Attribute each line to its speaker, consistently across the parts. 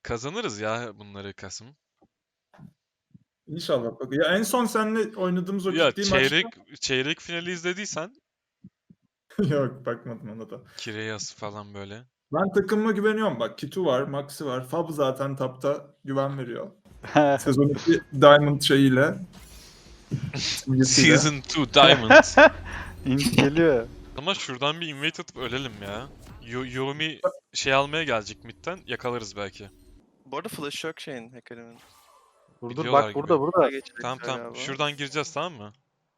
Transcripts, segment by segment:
Speaker 1: Kazanırız ya bunları Kasım.
Speaker 2: İnşallah. Bak, ya en son seninle oynadığımız o
Speaker 1: Ya
Speaker 2: ciddi
Speaker 1: çeyrek finali izlediysen
Speaker 2: maçta... Yok, bakmadım ona da.
Speaker 1: Kireyas falan böyle.
Speaker 2: Ben takımıma güveniyorum. Bak, Kitu var, Maxi var. Fab zaten tapta güven veriyor. Sezon 2 Diamond şeyiyle. simgesiyle.
Speaker 1: Season 2 Diamond.
Speaker 3: İnç geliyor.
Speaker 1: Ama şuradan bir invade atıp ölelim ya. Yomi şey almaya gelecek midden, yakalarız belki.
Speaker 4: Bu arada flash yok şeyin hacker'ın.
Speaker 3: Dur
Speaker 1: Biliyorlar
Speaker 3: bak
Speaker 1: gibi.
Speaker 3: burada burada.
Speaker 1: Tamam tamam. Şuradan gireceğiz, tamam mı?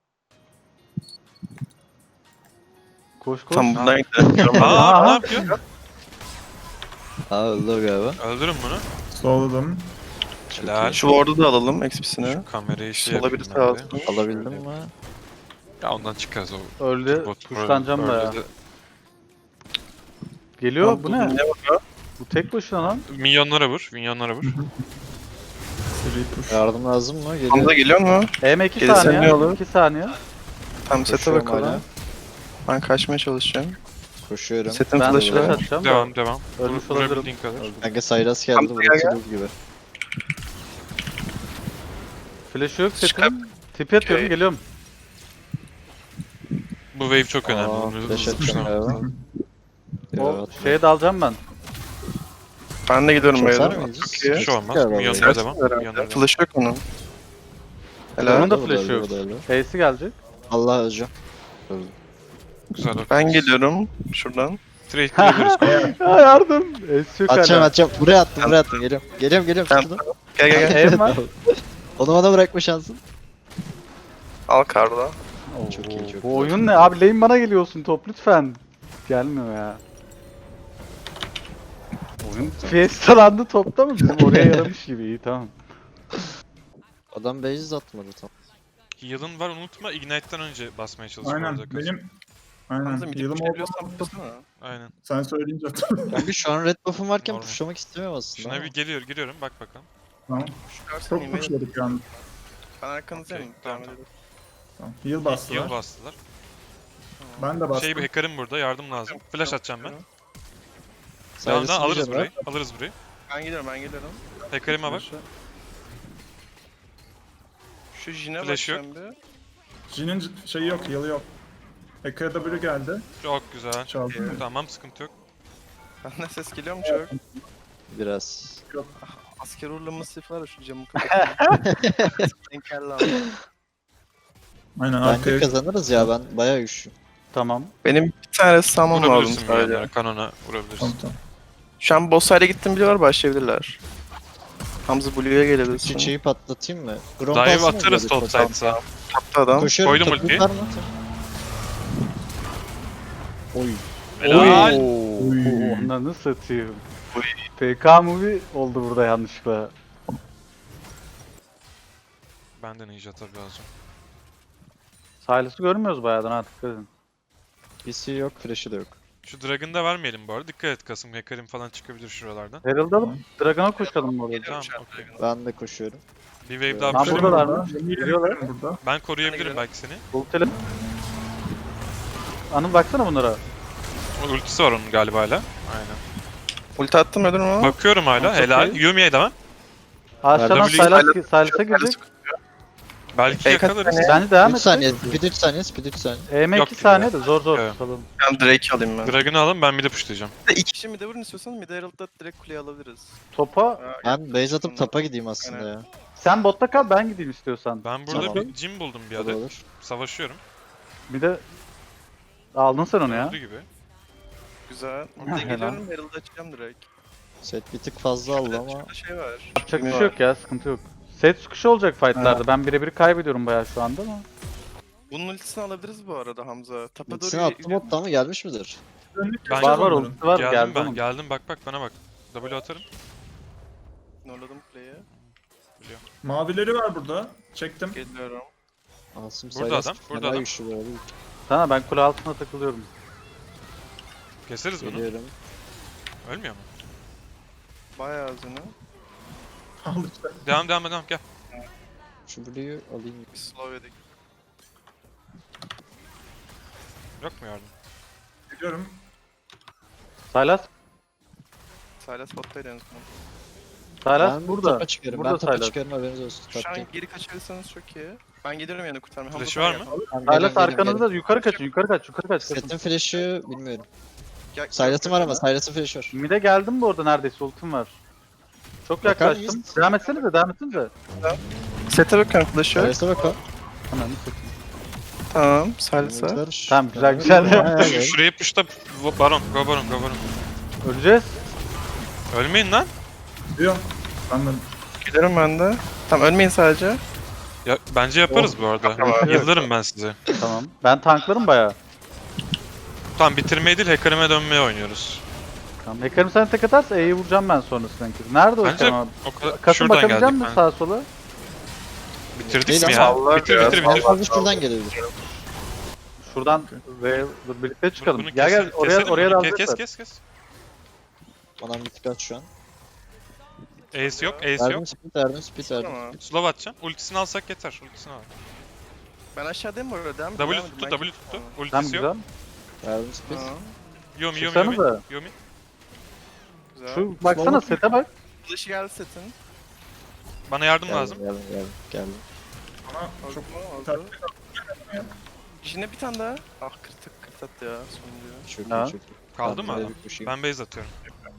Speaker 3: Koş koş.
Speaker 4: Tam bundan gidelim.
Speaker 1: Aa, ne yapıyor?
Speaker 5: Aa öldü o galiba.
Speaker 1: Öldürün bunu.
Speaker 2: Solladım.
Speaker 1: Helal.
Speaker 4: Şu ward'u da alalım XP'sini.
Speaker 1: Şu kamerayı şey
Speaker 4: Sola
Speaker 1: yapayım
Speaker 4: birisi
Speaker 1: ben de.
Speaker 4: alsın.
Speaker 5: Alabildim mi?
Speaker 1: Ya ondan çıkarız o.
Speaker 3: Öldü.
Speaker 1: Bot
Speaker 3: Kuşlanacağım da ya.
Speaker 1: öyle de-
Speaker 3: Geliyor bu ne?
Speaker 4: Ne var?
Speaker 3: Bu tek başına lan.
Speaker 1: Minyonlara vur, minyonlara vur.
Speaker 2: Seri push.
Speaker 5: Yardım lazım mı? Geliyor.
Speaker 4: Hamza geliyor mu?
Speaker 3: EM 2
Speaker 4: Gelirsen
Speaker 3: saniye.
Speaker 4: ne olur?
Speaker 3: 2 saniye.
Speaker 4: Tam sete
Speaker 5: Koşuyorum hala.
Speaker 4: bakalım. Ben kaçmaya çalışacağım.
Speaker 5: Koşuyorum.
Speaker 4: Setin
Speaker 3: Ben
Speaker 4: flash'ı
Speaker 3: flash
Speaker 4: var.
Speaker 3: atacağım da.
Speaker 1: Devam.
Speaker 3: Ölmüş
Speaker 1: Vurabildiğin kadar.
Speaker 5: Kanka Sayras geldi.
Speaker 4: Hamza
Speaker 5: Burası
Speaker 4: gel.
Speaker 5: buz gibi.
Speaker 3: Flash yok
Speaker 4: Çıkar.
Speaker 3: setin. Tipi atıyorum
Speaker 4: Okey.
Speaker 3: geliyorum.
Speaker 1: Bu wave çok önemli.
Speaker 5: Aa,
Speaker 1: Bunu
Speaker 5: flash
Speaker 1: hızlı
Speaker 5: atacağım
Speaker 1: pushlamamız
Speaker 5: galiba.
Speaker 1: lazım.
Speaker 3: O şeye dalacağım ben.
Speaker 4: Ben de gidiyorum
Speaker 5: Çok
Speaker 4: böyle.
Speaker 5: var mıyız?
Speaker 4: Çok iyi.
Speaker 1: Bir şey olmaz.
Speaker 5: Galiba
Speaker 1: Minyonlara
Speaker 4: Sersin
Speaker 1: devam.
Speaker 4: herhalde.
Speaker 1: Minyonlara devam.
Speaker 4: Flash yok onun. Helal.
Speaker 3: Onun da
Speaker 5: O da
Speaker 3: flash
Speaker 5: öldü,
Speaker 3: yok.
Speaker 5: o da öldü.
Speaker 3: Ace'i gelecek.
Speaker 5: Allah öleceğim. Öldü.
Speaker 1: Güzel bak.
Speaker 4: Ben geliyorum şuradan.
Speaker 1: Trade edebiliriz.
Speaker 3: Ya yardım. Ace yok
Speaker 5: Atacağım
Speaker 3: hala.
Speaker 5: atacağım. Buraya attım buraya attım. Geliyorum
Speaker 4: Ben-
Speaker 5: şuradan.
Speaker 4: Gel gel gel.
Speaker 3: Ev var.
Speaker 5: Onu bana bırakma şansın.
Speaker 4: Al karda.
Speaker 5: Çok iyi, çok
Speaker 3: Bu
Speaker 5: iyi.
Speaker 3: oyun ne? Abi lane bana geliyorsun top lütfen. Gelmiyor ya. Oyun fiestalandı topta mı? Bizim oraya yaramış gibi iyi tamam.
Speaker 5: Adam base atmadı tam.
Speaker 1: Heal'ın var, unutma. Ignite'den önce basmaya çalış. bu
Speaker 2: Aynen.
Speaker 1: arada Kasım.
Speaker 2: Benim... Aynen.
Speaker 4: Hamza bir
Speaker 2: Heal'ım
Speaker 4: biliyorsan
Speaker 2: oldu.
Speaker 4: baksana.
Speaker 1: Aynen.
Speaker 2: Sen söyleyince hatırladım.
Speaker 5: Kanka şu an red buff'um varken
Speaker 1: Normal.
Speaker 5: pushlamak istemiyorum aslında.
Speaker 1: Şuna
Speaker 5: ama.
Speaker 1: bir giriyorum. Bak bakalım.
Speaker 2: Tamam.
Speaker 4: Çıkarsın
Speaker 2: Çok
Speaker 4: yemeği.
Speaker 2: pushladık yani.
Speaker 4: Ben arkanızdayım.
Speaker 1: Okey,
Speaker 4: Devam
Speaker 1: tamam.
Speaker 4: edelim.
Speaker 2: Tamam. Heal bastılar.
Speaker 1: Heal bastılar.
Speaker 2: Ben de bastım.
Speaker 1: Şey bir hacker'ım burada. Yardım lazım. Flash atacağım ben.
Speaker 5: Sayras'ın
Speaker 1: Devam alırız
Speaker 5: vision var.
Speaker 1: burayı. Alırız burayı.
Speaker 4: Ben geliyorum.
Speaker 1: Hacker'ıma bak.
Speaker 4: Şu Jin'e
Speaker 1: Flash yok.
Speaker 4: bakacağım bir.
Speaker 2: Jin'in şeyi yok, heal'ı yok. Ekaya W geldi.
Speaker 1: Çok güzel.
Speaker 2: Çaldı mı?
Speaker 1: Tamam, sıkıntı yok.
Speaker 4: Benden ses geliyor mu çok?
Speaker 5: Biraz.
Speaker 4: Asker uğurlaması var ya şu camı kapatıyor. Engelli abi.
Speaker 2: Aynen
Speaker 5: Bence
Speaker 2: arkaya.
Speaker 5: kazanırız ya ben bayağı güçlüyüm.
Speaker 3: Tamam.
Speaker 4: Benim bir tane salmam lazım
Speaker 1: Vurabilirsin
Speaker 4: sadece.
Speaker 1: yani. Kanona vurabilirsin.
Speaker 2: Tamam tamam.
Speaker 4: Şu an boss side'e gittim biliyorlar başlayabilirler. Hamza Blue'ya gelebilirsin.
Speaker 5: Çiçeği patlatayım mı? Grom
Speaker 1: Dive
Speaker 5: kalsın mı
Speaker 1: atarız
Speaker 5: böyle?
Speaker 1: top side'sa.
Speaker 4: Taptı adam.
Speaker 5: Koşuyorum.
Speaker 1: Koydum
Speaker 5: takım
Speaker 1: ultiyi.
Speaker 5: var mı? Oy.
Speaker 1: Helal.
Speaker 2: Oy.
Speaker 3: Onları satayım.
Speaker 4: Oy.
Speaker 3: PK movie oldu burada yanlışlıkla.
Speaker 1: Benden ninja tabii lazım.
Speaker 3: Silas'ı görmüyoruz bayağıdan artık edin.
Speaker 5: PC yok, flash'ı da yok.
Speaker 1: Şu Dragon'ı da vermeyelim bu arada. Dikkat et Kasım. Hacker'im falan çıkabilir şuralardan.
Speaker 3: Herald'ı alıp Dragon'a koşalım bu arada.
Speaker 1: Tamam,
Speaker 4: Geliyorum
Speaker 1: okey.
Speaker 5: Ben de koşuyorum.
Speaker 1: Bir wave
Speaker 5: Ben
Speaker 1: daha
Speaker 3: Ben
Speaker 1: pushlayayım.
Speaker 3: buradalar
Speaker 2: burada.
Speaker 3: mı?
Speaker 2: Yemin
Speaker 3: Geliyorlar.
Speaker 2: ederim burada.
Speaker 1: Ben koruyabilirim
Speaker 4: gidelim.
Speaker 1: belki seni.
Speaker 3: Ultile. Anıl baksana bunlara.
Speaker 1: O ultisi var onun galiba hala. Aynen.
Speaker 4: Ulti attım öldür mü?
Speaker 1: Bakıyorum hala.
Speaker 3: Çok
Speaker 1: Helal.
Speaker 3: iyi.
Speaker 1: Yumi'ye devam.
Speaker 3: Aşağıdan
Speaker 1: W-
Speaker 3: Silas'a girecek.
Speaker 1: Belki
Speaker 4: Ey, kaç
Speaker 1: yakalarız.
Speaker 4: saniye?
Speaker 3: Bence devam
Speaker 5: 3
Speaker 3: et.
Speaker 5: saniye, speed 3 saniye, speed 3 saniye.
Speaker 3: EM
Speaker 1: Yok
Speaker 3: 2
Speaker 1: gibi
Speaker 3: saniye
Speaker 1: ya.
Speaker 3: de zor
Speaker 1: Evet.
Speaker 3: tutalım.
Speaker 4: Ben Drake alayım ben.
Speaker 1: Dragon'ı alın, ben bir de pushlayacağım.
Speaker 4: İki kişi mid'e vurun istiyorsan mid'e Herald'da direkt kuleye alabiliriz.
Speaker 3: Topa
Speaker 5: Ben base atıp tapa gideyim aslında
Speaker 4: Aynen.
Speaker 5: ya.
Speaker 3: sen botta kal ben gideyim istiyorsan.
Speaker 1: Ben burada
Speaker 5: Tamam.
Speaker 1: bir gym buldum bir
Speaker 5: O da
Speaker 1: adet.
Speaker 5: olur.
Speaker 1: Savaşıyorum.
Speaker 3: Bir de aldın sen onu ya.
Speaker 1: Öldü gibi.
Speaker 4: Güzel.
Speaker 3: Helal.
Speaker 4: Mid'e geliyorum Herald'ı açacağım direkt.
Speaker 5: Set bir tık fazla aldı ama.
Speaker 4: Şurada şey var.
Speaker 3: Yapacak bir şey yok ya sıkıntı yok. Set sıkışı olacak fightlarda. Ben birebir kaybediyorum bayağı şu anda ama.
Speaker 4: Bunun ultisini alabiliriz bu arada Hamza. Tapa
Speaker 5: İkisini
Speaker 4: doğru
Speaker 5: attı botta mı gelmiş midir?
Speaker 1: Ben-
Speaker 3: Var var
Speaker 2: onların.
Speaker 3: ulti var
Speaker 1: Geldim
Speaker 3: geldi
Speaker 1: ben.
Speaker 3: onun.
Speaker 1: Geldim, bak bana bak. W atarım.
Speaker 4: Norladım kuleyi.
Speaker 2: Mavileri var burada. Çektim.
Speaker 4: Geliyorum.
Speaker 5: Asım
Speaker 1: Burada
Speaker 5: Sayras
Speaker 1: adam, burada
Speaker 5: fena
Speaker 1: adam.
Speaker 5: güçlü böyle.
Speaker 3: Tamam ben kule altına takılıyorum.
Speaker 1: Keseriz bunu.
Speaker 5: Geliyorum.
Speaker 1: Ölmüyor mu?
Speaker 4: Bayağı azını.
Speaker 2: Al işte.
Speaker 1: Devam gel.
Speaker 5: Şu Blue'yu alayım.
Speaker 4: Bir slow yedik.
Speaker 1: Yok mu yardım?
Speaker 2: Gidiyorum.
Speaker 3: Silas
Speaker 4: Silas bottaydı en son.
Speaker 3: Sylas
Speaker 5: Ben
Speaker 3: burada.
Speaker 5: tapa çıkarım.
Speaker 3: Burada
Speaker 5: Ben tapa
Speaker 3: Sylas.
Speaker 5: çıkarım, haberiniz olsun.
Speaker 4: Şu an
Speaker 5: Taptayım.
Speaker 4: geri kaçırırsanız çok iyi. Ben gelirim yani kurtarmaya.
Speaker 1: Flash'ı
Speaker 4: Hamza
Speaker 1: var
Speaker 4: sen
Speaker 1: mı?
Speaker 4: gel.
Speaker 5: Tamam,
Speaker 3: Sylas
Speaker 5: geliyorum, geliyorum,
Speaker 3: arkanızda. Yukarı kaçın. Yukarı kaç. Yukarı kaç.
Speaker 5: geliyorum. Set'in flash'ı bilmiyorum.
Speaker 4: Gel-
Speaker 5: Sylas'ın var ama Sylas'ın flash'ı var.
Speaker 3: Mid'e geldim bu arada neredeyse ultim var. Çok
Speaker 5: Bakar
Speaker 3: yaklaştım.
Speaker 5: mıyız?
Speaker 3: Devam etsenize, devam etsenize.
Speaker 4: Sete bakıyorum flash'ı.
Speaker 5: Sylas'a bak o.
Speaker 3: Ananı satayım.
Speaker 4: Tamam. Salsa.
Speaker 3: Tamam, güzel, güzel.
Speaker 1: Şuraya push'ta Baron. Go Baron. Go Baron.
Speaker 3: Öleceğiz.
Speaker 1: Ölmeyin lan.
Speaker 2: Diyor. Ben de
Speaker 4: Giderim ben de. Tamam ölmeyin sadece.
Speaker 1: Ya bence yaparız bu arada. Yıldırım ben size.
Speaker 3: Tamam. Ben tanklarım bayağı.
Speaker 1: Tamam bitirmeyi değil hacker'ime dönmeye oynuyoruz.
Speaker 3: Tamam. Hacker'ım sen tek atarsa E'yi vuracağım ben sonrasında. Nerede o
Speaker 1: Bence
Speaker 3: Hacker'ım abi?
Speaker 1: o kadar
Speaker 3: Kasım
Speaker 1: şuradan
Speaker 3: bakabilecek
Speaker 1: geldik.
Speaker 3: misin
Speaker 1: Ben.
Speaker 3: sağa sola?
Speaker 1: Bitirdik
Speaker 5: Değil
Speaker 1: mi
Speaker 5: ama
Speaker 1: ya?
Speaker 4: Allah
Speaker 1: Bitir
Speaker 4: ya,
Speaker 1: bitir bitir.
Speaker 5: Fazla şuradan gelebilir.
Speaker 3: Şuradan ve dur birlikte çıkalım.
Speaker 1: Bunu
Speaker 3: Gel gel
Speaker 1: keselim,
Speaker 3: oraya
Speaker 1: bunu.
Speaker 3: da
Speaker 1: Kes
Speaker 3: alacaklar.
Speaker 1: kes.
Speaker 5: Bana bir tık at şu an.
Speaker 1: Ace yok, ace
Speaker 5: Verdim
Speaker 1: yok.
Speaker 5: speed, verdim speed, verdim.
Speaker 4: Tamam.
Speaker 1: Slow atacağım. Ultisini alsak yeter. Ultisini al.
Speaker 4: Ben aşağıdayım bu arada. Devam
Speaker 1: W
Speaker 4: devam
Speaker 1: tuttu,
Speaker 4: Ben
Speaker 1: W tuttu.
Speaker 3: Tamam
Speaker 1: Ultisi yok.
Speaker 3: güzel.
Speaker 5: Verdim speed.
Speaker 4: Tamam.
Speaker 1: Yomi.
Speaker 3: Çıksanıza.
Speaker 1: Yomi.
Speaker 4: Güzel.
Speaker 3: Şu baksana sete bak.
Speaker 4: Flash'ı geldi setin.
Speaker 1: Bana yardım
Speaker 5: Geldim,
Speaker 1: lazım.
Speaker 5: geldim.
Speaker 2: bana çok
Speaker 4: Oldu. Yine bir tane daha. Ah kırt attı ya sonuncu.
Speaker 5: Çok
Speaker 3: Ha.
Speaker 5: iyi, çok iyi.
Speaker 1: Kaldı mı
Speaker 5: Ben
Speaker 1: adam?
Speaker 5: böyle bir koşayım.
Speaker 1: Ben base atıyorum.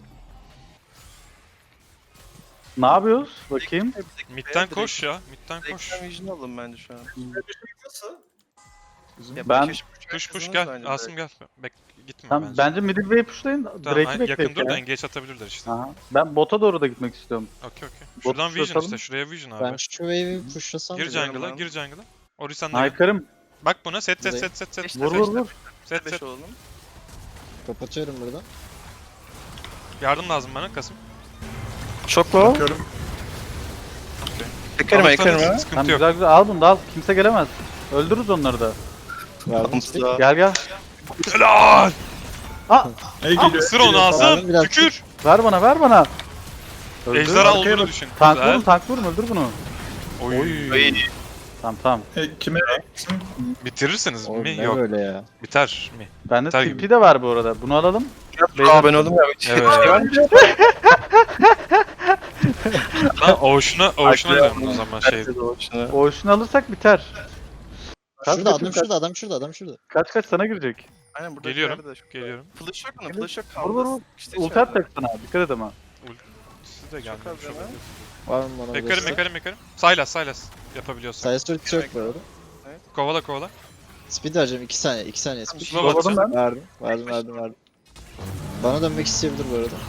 Speaker 3: Ne yapıyoruz? Bakayım.
Speaker 1: Mid'den koş ya. Mid'den koş.
Speaker 4: Ekran vision alın bence şu an.
Speaker 2: nasıl? Bizim
Speaker 4: Ya
Speaker 3: Ben-
Speaker 4: belki
Speaker 1: Push push
Speaker 4: kazanırız
Speaker 1: gel.
Speaker 4: bence
Speaker 1: Asım gel. Gitme
Speaker 3: Tamam,
Speaker 1: bence.
Speaker 3: bence middle wave pushlayın.
Speaker 1: Tamam,
Speaker 3: Drake'i
Speaker 1: yakın
Speaker 3: bekleyin
Speaker 1: dur da
Speaker 3: ya.
Speaker 1: engage atabilirler işte.
Speaker 3: Aha. Ben bota doğru da gitmek istiyorum.
Speaker 1: Okey. Şuradan
Speaker 3: Bot
Speaker 1: vision
Speaker 3: atalım.
Speaker 1: işte. Şuraya vision
Speaker 5: Ben
Speaker 1: abi.
Speaker 5: şu wave'i pushlasam
Speaker 1: Gir
Speaker 5: mı?
Speaker 1: jungle'a,
Speaker 4: ben.
Speaker 1: gir jungle'a. Ori sen de gel.
Speaker 3: Hacker'ım.
Speaker 1: Bak buna set.
Speaker 5: Buradayım.
Speaker 4: İşte
Speaker 3: Vur vur vur.
Speaker 1: Set
Speaker 4: 5
Speaker 1: set.
Speaker 4: olalım.
Speaker 5: Kapatıyorum buradan.
Speaker 1: Yardım lazım bana Kasım.
Speaker 4: Çok low.
Speaker 2: bakıyorum.
Speaker 4: Ekerim
Speaker 1: Alırsanız
Speaker 4: ekerim ha.
Speaker 1: sıkıntı
Speaker 3: Tamam
Speaker 1: yok.
Speaker 3: güzel güzel al bunu da al. Kimse gelemez. Öldürürüz onları da.
Speaker 5: Verdim speed.
Speaker 4: Hamza.
Speaker 3: Gel gel.
Speaker 1: Helal!
Speaker 2: Ey geliyor.
Speaker 1: Isır onu
Speaker 5: Verdim
Speaker 1: Asım.
Speaker 5: biraz.
Speaker 1: Tükür.
Speaker 3: Ver bana ver bana. Öldür.
Speaker 1: Ejderha
Speaker 2: arkaya
Speaker 1: olduğunu
Speaker 2: bak.
Speaker 1: düşün.
Speaker 3: Tank
Speaker 1: Güzel.
Speaker 3: vurun tank vurun öldür bunu.
Speaker 1: Oy.
Speaker 4: Ay,
Speaker 3: Tamam tamam.
Speaker 2: Kime eksin?
Speaker 1: Bitirirsiniz
Speaker 5: Oğlum
Speaker 1: mi?
Speaker 5: ne
Speaker 1: Yok.
Speaker 5: böyle ya?
Speaker 1: Biter mi?
Speaker 3: Bende
Speaker 1: Biter
Speaker 3: TP
Speaker 1: gibi.
Speaker 3: de var bu arada. Bunu alalım.
Speaker 4: Aa ben oldum ya.
Speaker 1: Evet. Lan Ocean'a alıyorum o zaman şey.
Speaker 3: O işini alırsak biter. Kaç
Speaker 5: Şurada
Speaker 3: kaçın,
Speaker 5: adam
Speaker 3: kaç?
Speaker 5: şurada, adam şurada, adam şurada.
Speaker 3: Kaç sana girecek.
Speaker 4: Aynen burada
Speaker 1: Geliyorum,
Speaker 4: bir yerde de çok-
Speaker 1: Geliyorum.
Speaker 4: Flash yok onun,
Speaker 3: Evet.
Speaker 4: flash yok
Speaker 3: Vur vur vur.
Speaker 4: kaldı. İşte
Speaker 3: Ulti
Speaker 4: içeride.
Speaker 3: atacak sana. Dikkat et ama.
Speaker 1: Siz de gelmemiş
Speaker 4: az yana.
Speaker 1: olabilir.
Speaker 5: Var mı bana
Speaker 1: Mekarım. Silas. Yapabiliyorsan.
Speaker 5: Sayısı ultisi yok bu arada.
Speaker 1: Kovala.
Speaker 5: Speed vereceğim 2 saniye, 2 saniye speed.
Speaker 1: Slow
Speaker 3: Yolladım
Speaker 1: atacağım.
Speaker 3: ben.
Speaker 5: Verdim. Bana dönmek isteyebilir bu arada.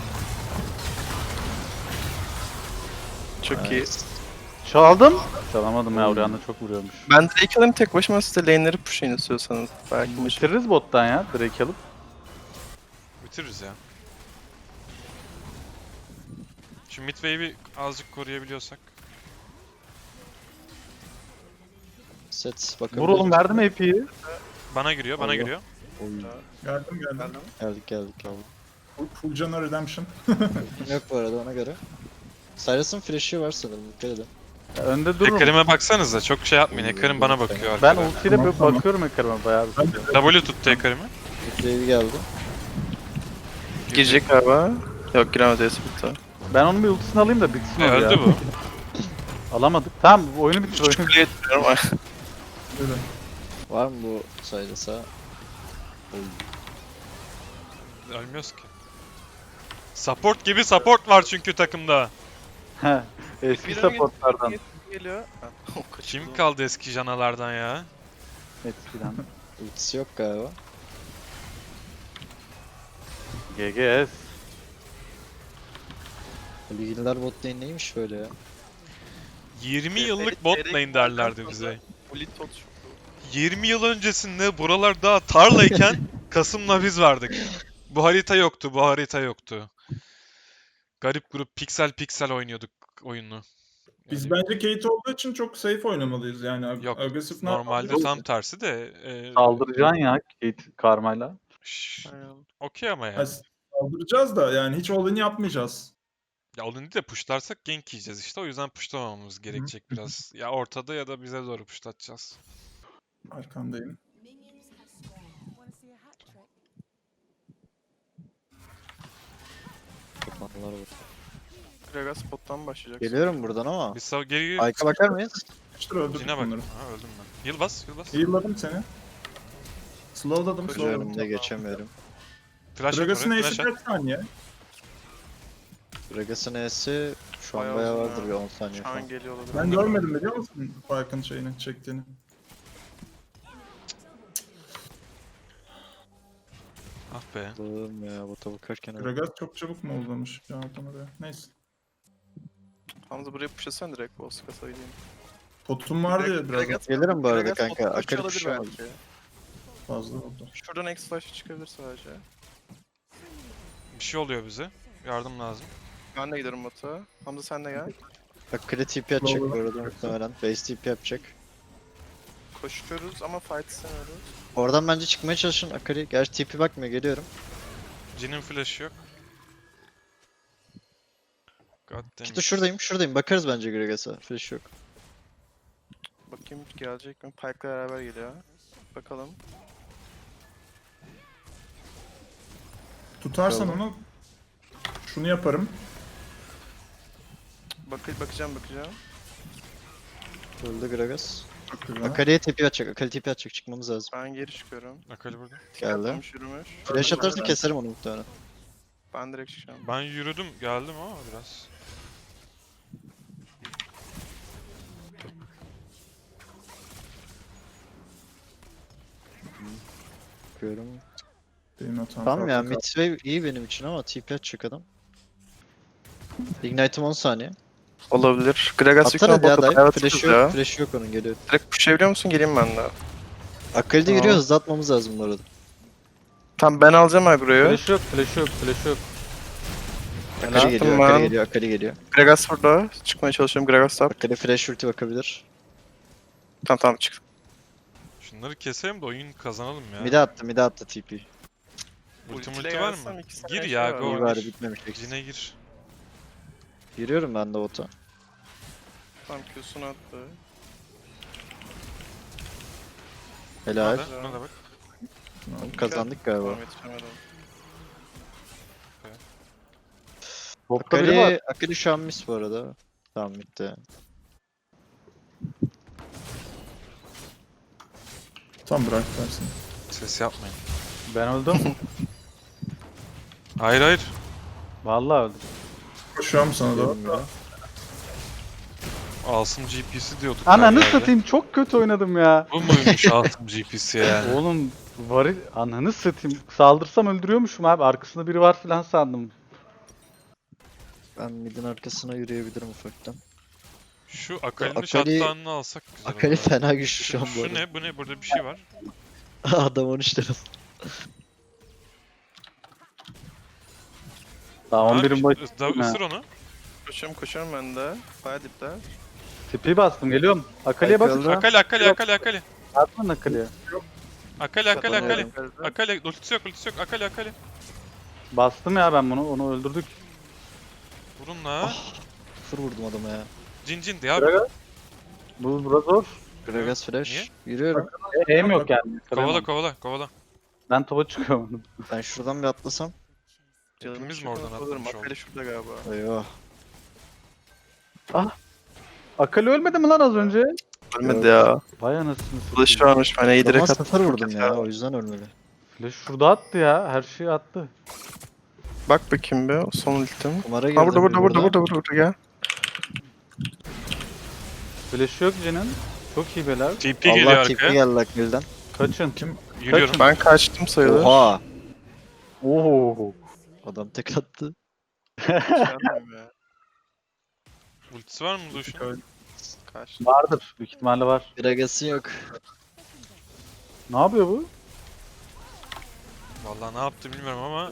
Speaker 4: Çok iyi.
Speaker 3: Çaldım. Çalamadım ya oraya çok vuruyormuş.
Speaker 4: Ben Drake alayım tek başıma size lane'leri pushlayın istiyorsanız. Belki maçı.
Speaker 3: Bitiririz bottan ya. Drake alıp.
Speaker 1: Bitiririz ya. Şu mid wave'i azıcık koruyabiliyorsak.
Speaker 5: Set bakın.
Speaker 3: Vur oğlum verdim AP'yi.
Speaker 1: Bana giriyor.
Speaker 5: Allah.
Speaker 1: giriyor.
Speaker 2: Geldim.
Speaker 5: Geldik.
Speaker 2: Full Jana Redemption.
Speaker 5: Yok bu arada ona göre. Cyrus'ın flash'ı var sanırım, dikkat edin.
Speaker 3: Önde dururum.
Speaker 1: Hacker'ime baksanıza. Çok şey yapmayın. Hacker'im bana bakıyor
Speaker 3: Ben
Speaker 1: arkada.
Speaker 3: ultiyle
Speaker 2: Tamam,
Speaker 3: böyle
Speaker 2: tamam.
Speaker 3: bakıyorum Hacker'ıma bayağı. bir.
Speaker 1: W tuttu Hacker'imi.
Speaker 5: Wave geldi.
Speaker 4: Girecek galiba. Yok giremedi Esbit'te.
Speaker 3: Ben onun bir ultisini alayım da bitsin o ya.
Speaker 1: Öldü bu.
Speaker 3: Alamadık. Tamam oyunu bitir oyunu.
Speaker 4: Kuleye tutuyorum. Ay.
Speaker 2: Böyle.
Speaker 5: Var mı bu Cyrus'a?
Speaker 1: Ölmüyoruz ki. Support gibi support var çünkü takımda.
Speaker 3: He, Eski
Speaker 4: Bir
Speaker 3: supportlardan.
Speaker 4: Geliyor. Ha, o kaçırdı.
Speaker 1: Kim kaldı eski janalardan ya?
Speaker 3: Eskiden.
Speaker 5: Ultisi yok galiba.
Speaker 3: GGS.
Speaker 5: Bilgiler bot lane neymiş böyle ya?
Speaker 1: 20 yıllık bot lane derlerdi bize.
Speaker 4: Ulit tot.
Speaker 1: 20 yıl öncesinde buralar daha tarlayken Kasım'la biz vardık. Bu harita yoktu. Garip grup piksel oynuyorduk oyunu.
Speaker 2: Biz
Speaker 1: Yani
Speaker 2: bence Kate olduğu için çok safe oynamalıyız yani.
Speaker 1: Yok,
Speaker 2: Agresif ne
Speaker 1: normalde
Speaker 2: yapmalıyız?
Speaker 1: tam tersi de
Speaker 3: Saldıracaksın ya Kate Karma'yla.
Speaker 1: okey ama yani.
Speaker 2: Yani saldıracağız da yani hiç all-in yapmayacağız.
Speaker 1: Ya onu de pushlarsak gank yiyeceğiz işte. O yüzden pushlamamamız gerekecek biraz. Ya ortada ya da bize doğru pushlatacağız.
Speaker 2: Arkandayım.
Speaker 5: Kapatmalar var.
Speaker 4: Gragas bottan başlayacak.
Speaker 5: Geliyorum buradan ama.
Speaker 1: Biz geri
Speaker 5: Ayka bakar mıyız?
Speaker 2: İşte öldürdük
Speaker 1: Cine bak.
Speaker 2: bunları.
Speaker 1: Ha, öldüm ben. Heal bas, heal bas.
Speaker 2: Heal'ladım seni. Slowladım,
Speaker 5: Önümde
Speaker 2: slowladım.
Speaker 5: geçemiyorum.
Speaker 1: Flash at
Speaker 2: Gragas'ın
Speaker 1: oraya,
Speaker 2: eşi
Speaker 1: flash at.
Speaker 2: kaç saniye?
Speaker 5: Gragas'ın E'si şu an
Speaker 4: Bayağı
Speaker 5: bayağı
Speaker 4: uzun
Speaker 5: vardır
Speaker 4: ya.
Speaker 5: bir 10 saniye
Speaker 4: Şu
Speaker 5: falan.
Speaker 4: an geliyor olabilir.
Speaker 2: Ben görmedim biliyor musun Fark'ın şeyini, çektiğini.
Speaker 1: Ah be.
Speaker 5: Allah'ım ya bota bakarken öyle.
Speaker 2: Gragas çok çabuk mu uzamış ya oradan oraya. Neyse.
Speaker 4: Hamza buraya pushlasan direkt boss kasa gideyim.
Speaker 2: Potum vardı ya biraz
Speaker 4: Gragas-
Speaker 5: Gelirim bu arada
Speaker 4: Gragas
Speaker 5: kanka.
Speaker 4: bottan
Speaker 5: Akali
Speaker 4: olabilir
Speaker 5: kuşlamadı.
Speaker 4: belki.
Speaker 2: fazla oldu.
Speaker 4: Şuradan X flash çıkabilir sadece.
Speaker 1: Bir şey oluyor bize. Yardım lazım.
Speaker 4: Ben de giderim bota. Hamza sen de gel.
Speaker 5: Akali TP atacak bu arada muhtemelen. Base TP yapacak.
Speaker 4: Koşuyoruz ama fight istemiyoruz.
Speaker 5: Oradan bence çıkmaya çalışın Akali. Gerçi TP bakmıyor geliyorum.
Speaker 1: Jin'in flash'ı yok. God damn
Speaker 5: İşte
Speaker 1: it.
Speaker 5: şuradayım. Bakarız bence Gragas'a. Flash yok.
Speaker 4: Bakayım gelecek mi? Pike'la beraber geliyor. Bakalım.
Speaker 2: Tutarsan
Speaker 5: Tamam.
Speaker 2: onu şunu yaparım.
Speaker 4: Bakacağım.
Speaker 5: Öldü Gragas.
Speaker 2: Çok güzel.
Speaker 5: Akali'ye TP atacak. Akali TP atacak. Çıkmamız lazım.
Speaker 4: Ben geri çıkıyorum.
Speaker 1: Akali burada.
Speaker 5: Geldi.
Speaker 4: Atlamış, yürümüş.
Speaker 5: Flash atarsa keserim onu muhtemelen.
Speaker 4: Ben direkt çıkacağım.
Speaker 1: Ben yürüdüm, geldim ama biraz.
Speaker 5: Bakıyorum.
Speaker 2: Benim hatam.
Speaker 5: Tamam ya
Speaker 2: farklı
Speaker 5: mid wave iyi benim için ama TP atacak adam. Ignite'ım 10 saniye.
Speaker 4: Olabilir. Gragas
Speaker 5: Atsana
Speaker 4: yüklen
Speaker 5: ya
Speaker 4: bota
Speaker 5: dive.
Speaker 4: bayağı
Speaker 5: Flash
Speaker 4: atıyoruz ya.
Speaker 5: yok. Flash yok onun geliyor.
Speaker 4: Direkt pushlayabiliyor musun? Geleyim ben de.
Speaker 5: Akali de
Speaker 4: Tamam.
Speaker 5: giriyor. Hızlı atmamız lazım bu arada.
Speaker 4: Tamam ben alacağım agroyu.
Speaker 3: Flash yok, flash yok, flash yok.
Speaker 5: Akali
Speaker 4: Helal.
Speaker 5: geliyor.
Speaker 4: Tamam.
Speaker 5: Akali geliyor.
Speaker 4: Gragas burada. Çıkmaya çalışıyorum. Gragas top.
Speaker 5: Akali flash ulti bakabilir.
Speaker 4: Tamam çık.
Speaker 1: Şunları keselim de oyun kazanalım ya.
Speaker 5: Mide attı TP.
Speaker 1: Ulti var mı? Gir
Speaker 4: şey
Speaker 1: ya, go.
Speaker 5: İyi bari bitmemiş.
Speaker 1: Jin'e gir.
Speaker 5: Giriyorum ben de bota.
Speaker 4: Tamam Q'sunu attı.
Speaker 5: Helal.
Speaker 1: Hadi, buna da bak.
Speaker 5: Kazandık galiba.
Speaker 4: Tamam yetişemedim.
Speaker 3: Botta biri var.
Speaker 5: Akali şu an miss bu arada. Tamam bitti.
Speaker 2: Tam bırak dersin.
Speaker 1: Ses yapmayın.
Speaker 3: Ben öldüm.
Speaker 1: Hayır hayır.
Speaker 3: Vallahi öldüm.
Speaker 2: Koşuyorum sana doğru.
Speaker 5: Bilmiyorum.
Speaker 1: Asım GP'si diyorduk. her
Speaker 3: Ananı
Speaker 1: yerde.
Speaker 3: satayım çok kötü oynadım ya.
Speaker 1: Bu muymuş Asım GP'si yani?
Speaker 3: Oğlum varil ananı satayım. Saldırsam öldürüyormuşum abi. Arkasında biri var filan sandım.
Speaker 5: Ben midin arkasına yürüyebilirim ufaktan.
Speaker 1: Şu Akali'nin
Speaker 5: Akali-
Speaker 1: shutdown'unu alsak güzel
Speaker 5: Akali
Speaker 1: olur.
Speaker 5: fena güçlü şu an bu
Speaker 1: Şu
Speaker 5: arada.
Speaker 1: ne? Bu ne? Burada bir şey var.
Speaker 5: Adam 13 lira.
Speaker 3: Daha
Speaker 1: Ha,
Speaker 3: 11'in başı.
Speaker 1: da ısır onu.
Speaker 4: Koşuyorum ben de. Bayağı dipler.
Speaker 3: Tipi bastım geliyorum. Akali'ye bakın.
Speaker 5: Akali.
Speaker 1: Akali.
Speaker 3: Atman Akali'ye.
Speaker 1: Akali.
Speaker 5: Kapanıyorum.
Speaker 1: Akali. Ultisi yok. Akali.
Speaker 3: Bastım ya ben bunu. Onu öldürdük.
Speaker 1: Vurun la.
Speaker 5: Fır vurdum adama ya.
Speaker 1: Cin de ya.
Speaker 3: Gragas. Bu biraz zor.
Speaker 5: Gragas flash.
Speaker 1: Niye?
Speaker 5: Yürüyorum.
Speaker 3: Aim yok yani.
Speaker 1: Kovala.
Speaker 3: Ben topa çıkıyorum.
Speaker 5: Ben şuradan bir atlasam.
Speaker 1: Hepimiz mi oradan atlamış olduk?
Speaker 4: Akali şurada galiba.
Speaker 5: Eyvah.
Speaker 3: Akali ölmedi mi lan az önce?
Speaker 4: Ölmedi ya.
Speaker 3: Vay anasını
Speaker 4: Flash
Speaker 3: satayım.
Speaker 4: varmış. Ben iyi direkt
Speaker 5: Ama
Speaker 4: attım.
Speaker 5: 0 vurdum ya o yüzden ölmedi.
Speaker 3: Flash şurada attı ya. Her şeyi attı.
Speaker 4: Bak bakayım be. O son ultim.
Speaker 5: Kumara girdim.
Speaker 4: Ha burada gel.
Speaker 3: Flash yok Jin'in. Çok iyi beler.
Speaker 1: TP geliyor
Speaker 5: Allah tipi
Speaker 1: arkaya.
Speaker 5: geldi Akgül'den.
Speaker 3: Kaçın.
Speaker 1: Yürüyorum.
Speaker 4: Ben kaçtım sayılır.
Speaker 5: Oha!
Speaker 3: Oo.
Speaker 5: Adam tek attı.
Speaker 4: Kaçamıyorum ya.
Speaker 1: Ultisi var mı Lucian?
Speaker 4: Kaçtım.
Speaker 3: Vardır. Büyük ihtimalle var.
Speaker 5: Gragas'ı yok.
Speaker 3: Ne yapıyor bu?
Speaker 1: Vallahi ne yaptı bilmiyorum ama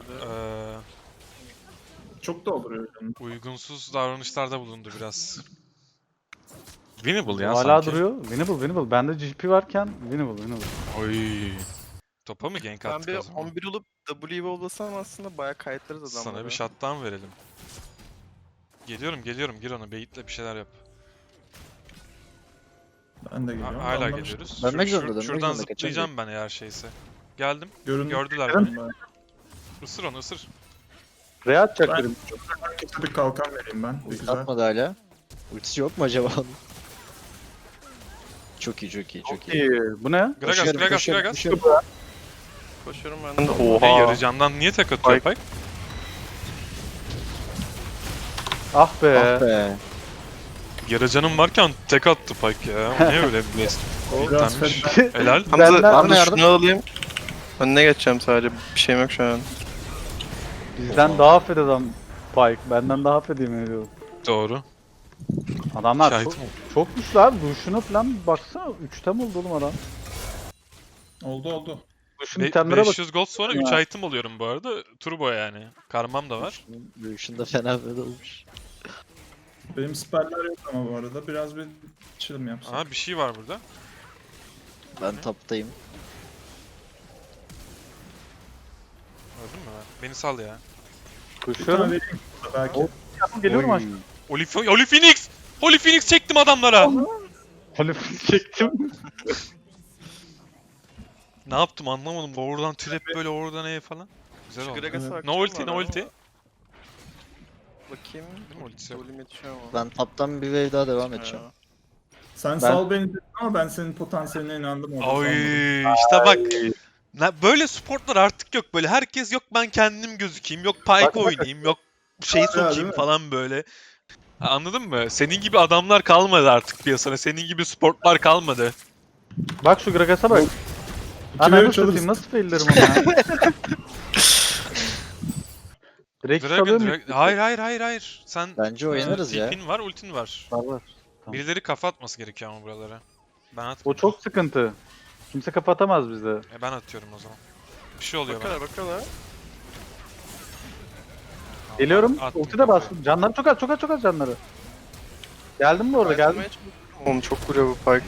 Speaker 2: Çok dolduruyor canım.
Speaker 1: uygunsuz davranışlarda bulundu biraz. Winnable ya
Speaker 3: Hala
Speaker 1: sanki.
Speaker 3: duruyor. Winnable. Bende GP varken winnable.
Speaker 1: Oy. Topa mı gank
Speaker 4: Ben
Speaker 1: attık
Speaker 4: bir
Speaker 1: o zaman?
Speaker 4: 11 olup W'yi olsam aslında bayağı kayıtlarız adamları.
Speaker 1: Sana bir shutdown verelim. Geliyorum. Gir ona. Baitle bir şeyler yap.
Speaker 2: Ben de geliyorum.
Speaker 1: Hala
Speaker 2: Anlamıştım.
Speaker 1: geliyoruz.
Speaker 5: Dönmek
Speaker 1: Şuradan
Speaker 5: zorunda, dönmek zorunda,
Speaker 1: zıplayacağım ben eğer şeyse. Geldim.
Speaker 2: Göründü.
Speaker 1: Gördüler
Speaker 2: Ben
Speaker 1: beni.
Speaker 2: de.
Speaker 1: Isır onu ısır.
Speaker 3: Re atacak
Speaker 2: Ben-
Speaker 3: dedim.
Speaker 2: Herkese bir kalkan vereyim ben. Bir
Speaker 5: Ulti
Speaker 2: güzel.
Speaker 5: atmadı hala. Ultisi yok mu acaba onun? Çok iyi, çok iyi, çok iyi.
Speaker 3: İyi. Bu ne?
Speaker 1: Gragas,
Speaker 5: Koşuyorum,
Speaker 1: Gragas,
Speaker 5: koşuyorum,
Speaker 1: Gragas.
Speaker 5: koşuyorum.
Speaker 4: Koşuyorum ben de.
Speaker 1: Ne
Speaker 4: Oha.
Speaker 1: yarı candan niye tek atıyor
Speaker 4: Pike.
Speaker 1: Pike?
Speaker 3: Ah be.
Speaker 5: Ah be.
Speaker 1: Yarı canım varken tek attı Pike ya. O ne öyle bir blast?
Speaker 2: Biraz
Speaker 1: Bitlenmiş.
Speaker 2: fena.
Speaker 1: Helal.
Speaker 3: Benden-
Speaker 4: Hamza
Speaker 5: yardım.
Speaker 4: şunu alayım. Önüne geçeceğim sadece. Bir şeyim yok şu an.
Speaker 3: Bizden daha affed adam Pike. Benden daha affed yemin ediyorum.
Speaker 1: Doğru.
Speaker 3: Adamlar
Speaker 1: Şahit
Speaker 3: çok,
Speaker 1: mi?
Speaker 3: çok güçlü abi. Duşuna falan baksana. 3'te mi oldu oğlum adam?
Speaker 2: Oldu.
Speaker 3: Duşun itemlere bak.
Speaker 1: 500 gold sonra
Speaker 3: Ya.
Speaker 1: 3 item alıyorum bu arada. Turbo yani. Karmam da var.
Speaker 5: Lucian da fena böyle olmuş.
Speaker 2: Benim spell'ler yok ama bu arada. Biraz bir chill yapsın.
Speaker 1: Aha bir şey var burada.
Speaker 5: Ben taptayım.
Speaker 1: Gördün mü? Beni sal ya.
Speaker 2: Bir tane
Speaker 3: Koşuyorum.
Speaker 2: vereyim belki.
Speaker 3: Geliyorum
Speaker 5: Oy.
Speaker 3: aşkım.
Speaker 1: Holy Phoenix! Holy Phoenix çektim adamlara.
Speaker 3: Halif çektim.
Speaker 1: Ne yaptım anlamadım. Oradan trap böyle oradan E falan. Güzel
Speaker 4: Şu
Speaker 1: oldu.
Speaker 4: Gragas'a
Speaker 1: No
Speaker 4: bakacağım
Speaker 1: ulti,
Speaker 4: var
Speaker 1: no
Speaker 4: ama.
Speaker 1: ulti.
Speaker 4: Bakayım.
Speaker 1: Değil mi ultisi yok?
Speaker 4: Ultim yetişiyor ama.
Speaker 5: Ben taptan bir wave daha devam edeceğim.
Speaker 4: Ya.
Speaker 2: Sen sal beni dedin ama ben senin potansiyeline inandım orada.
Speaker 1: Oy
Speaker 2: sandım.
Speaker 1: işte bak. Böyle sportlar artık yok. Böyle herkes yok ben kendim gözükeyim. Yok Pike oynayayım. Yok şey
Speaker 2: Değil
Speaker 1: sokayım
Speaker 2: mi?
Speaker 1: falan böyle. Ha, anladın mı? Senin gibi adamlar kalmadı artık piyasada. Senin gibi sportlar kalmadı.
Speaker 3: Bak şu Gragas'a bak.
Speaker 2: İki
Speaker 3: Ananı
Speaker 2: ve üç
Speaker 3: satayım
Speaker 2: alırız.
Speaker 3: nasıl faillerim onu ya. Direkt
Speaker 1: Dragon,
Speaker 3: salıyor mu?
Speaker 1: Hayır. Sen
Speaker 5: Bence oynarız ya.
Speaker 1: TP'in var, ultin var.
Speaker 3: Var. Tamam.
Speaker 1: Birileri kafa atması gerekiyor ama buralara. Ben
Speaker 3: O
Speaker 1: atmıyorum.
Speaker 3: çok sıkıntı. Kimse kapatamaz bizde.
Speaker 1: Ben atıyorum o zaman. Bir şey oluyor bana.
Speaker 4: Bakıyorlar.
Speaker 3: Geliyorum.
Speaker 1: Attım
Speaker 3: Ulti de
Speaker 1: kafayı.
Speaker 3: bastım. Canları çok az canları. Geldim mi orada geldim.
Speaker 4: Oğlum çok vuruyor bu Pike.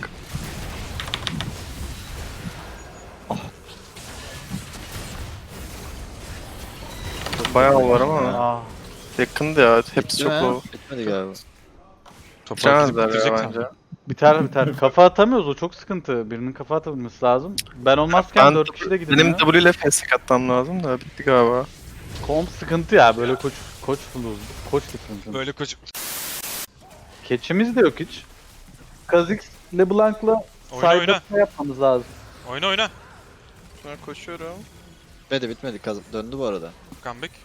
Speaker 4: Bayağı var ama
Speaker 3: Aa,
Speaker 4: yakındı ya. Hepsi
Speaker 5: Değil
Speaker 4: çok
Speaker 5: mi?
Speaker 4: low.
Speaker 5: Bitmedi galiba.
Speaker 1: Topu
Speaker 4: Bitiremezler
Speaker 1: bitirecek
Speaker 4: ya
Speaker 1: sandım.
Speaker 4: bence.
Speaker 3: biter. Kafa atamıyoruz o çok sıkıntı. Birinin kafa atabilmesi lazım. Ben olmazken
Speaker 4: Ben
Speaker 3: 4 kişi de
Speaker 4: Benim
Speaker 3: gidiyor.
Speaker 4: W ile fast atmam lazım da bitti galiba.
Speaker 3: Komp sıkıntı ya böyle koç buluruz. Koç sıkıntı.
Speaker 1: Böyle koç...
Speaker 3: Keçimiz de yok hiç. Kha'Zix LeBlanc'la
Speaker 1: Oyna.
Speaker 3: side yapmamız lazım.
Speaker 1: Oyna.
Speaker 4: Sonra koşuyorum.
Speaker 5: Bitmedi. Döndü bu arada.
Speaker 1: Comeback.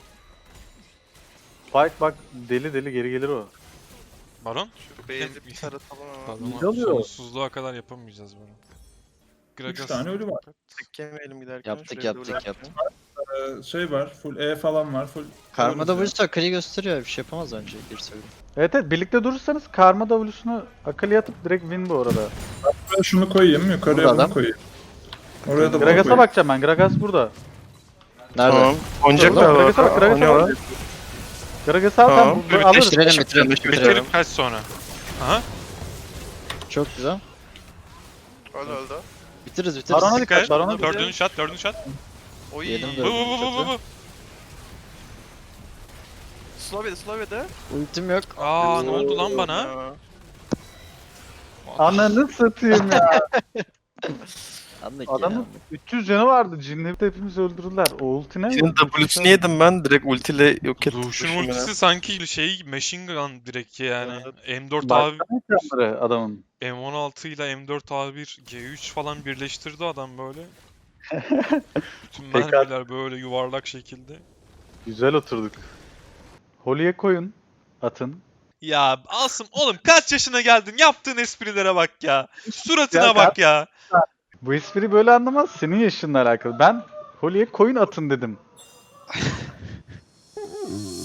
Speaker 3: Pike bak deli geri gelir o.
Speaker 1: Baron.
Speaker 4: Şu base'i bir taratalım ama.
Speaker 3: Ne oluyor?
Speaker 1: Sonsuzluğa kadar yapamayacağız bunu.
Speaker 2: 3 tane ölü var.
Speaker 4: Tek yemeyelim giderken.
Speaker 5: Yaptık,
Speaker 4: şuraya
Speaker 5: yaptık,
Speaker 4: double
Speaker 5: yaptık.
Speaker 2: Şey var. Full E falan var. Full
Speaker 5: Karma
Speaker 2: ölürüz ya.
Speaker 5: W'su Akali gösteriyor. Bir şey yapamaz bence. Bir söyleyeyim.
Speaker 3: Evet birlikte durursanız Karma W'sunu Akali'ye atıp direkt win bu arada.
Speaker 2: Ben şunu koyayım. Yukarıya
Speaker 5: Burada
Speaker 2: bunu
Speaker 5: adam.
Speaker 2: koyayım. Oraya da bunu
Speaker 3: Gragas'a
Speaker 2: koyayım.
Speaker 3: bakacağım ben. Gragas burada.
Speaker 5: Nerede?
Speaker 4: Tamam. Oynayacaklar
Speaker 5: Tamam,
Speaker 3: Gragas'a bak,
Speaker 4: bak.
Speaker 3: Gragas'a
Speaker 4: Oynuyorlar.
Speaker 3: bak. Gragas'ı al
Speaker 4: Tamam.
Speaker 3: sen bu- alırız.
Speaker 5: Bitirelim.
Speaker 1: Bitirip kaç sonra? Aha.
Speaker 5: Çok güzel.
Speaker 4: Öldü.
Speaker 5: Bitiririz.
Speaker 3: Barona
Speaker 1: Dikkat et.
Speaker 3: Barona
Speaker 1: Dördüncü shot.
Speaker 4: Oy.
Speaker 5: Yedim
Speaker 1: Bu.
Speaker 5: de.
Speaker 4: Slovya'da.
Speaker 5: Ultim yok.
Speaker 1: Aa ne oldu lan bana?
Speaker 4: Ya.
Speaker 3: Ananı satayım ya.
Speaker 5: Anlık
Speaker 3: Adamın
Speaker 5: ya.
Speaker 3: 300 canı vardı. Cinleri de hepimizi öldürdüler. O ulti ne?
Speaker 4: Senin W'sini yedim ben direkt ultiyle yok ettim.
Speaker 1: Lucian ultisi sanki şey machine gun direkt yani. M4
Speaker 3: Baksana
Speaker 1: A
Speaker 3: ekranları adamın.
Speaker 1: M16 ile M4 A1 G3 falan birleştirdi adam böyle. Bütün
Speaker 3: Tekrar-
Speaker 1: mermiler böyle yuvarlak şekilde.
Speaker 3: Güzel oturduk. Holy'e koyun. Atın.
Speaker 1: Ya Asım oğlum kaç yaşına geldin? Yaptığın esprilere bak ya. Suratına
Speaker 3: Ya
Speaker 1: bak ya.
Speaker 3: Bu espri böyle anlamaz. Senin yaşınla alakalı. Ben Holy'e koyun atın dedim.